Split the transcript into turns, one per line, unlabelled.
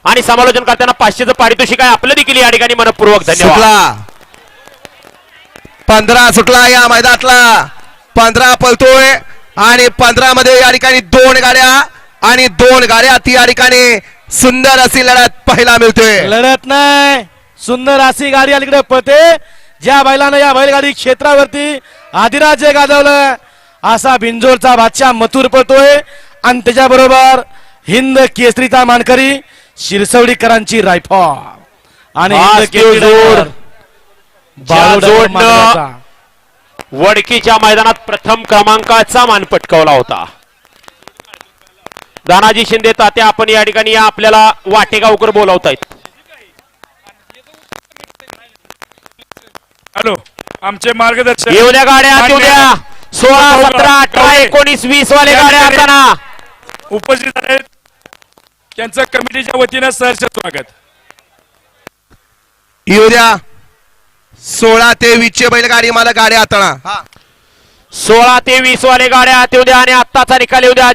आणि समालोचन करताना 500चं पारितोषिक आहे आपलं देखील या ठिकाणी मनपूर्वक धन्यवाद.
15 सुटला या मैदानातला. 15 पळतोय आणि 15 मध्ये या ठिकाणी 2 गाड्या आणि 2 गाड्या ती या ठिकाणी सुंदर अशी लढत पाहायला मिळते.
लढत नाही, सुंदर अशी गाडी अलीकडे पळते. ज्या बैलानं या बैलगाडी क्षेत्रावरती आदिराज्य गाजवलं असा बिंजोरचा बादशाह मथुर पळतोय आणि त्याच्याबरोबर हिंद केसरीचा मानकरी शिरसवडीकरांची रायफल आणि हिंद केसरी
जोडनं वडकीच्या मैदानात प्रथम क्रमांकाचा मान पटकावला होता. दानाजी शिंदे तात्या आपण या ठिकाणी या आपल्याला वाटेगावकर बोलावतायत.
हॅलो, आमचे मार्गदर्शक
येऊ द्या गाड्या, येऊ द्या. 16, 17, 18, 19, 20 वाले गाड्या असताना
उपस्थित आहेत. त्यांचं कमिटीच्या वतीनं सहर्ष स्वागत.
येऊ द्या. 16 ते 20 चे बैलगाडी मला गाड्या हाताळा.
16 ते 20 वाले गाड्या येऊ द्या आणि आत्ताचा निकाल येऊ द्या.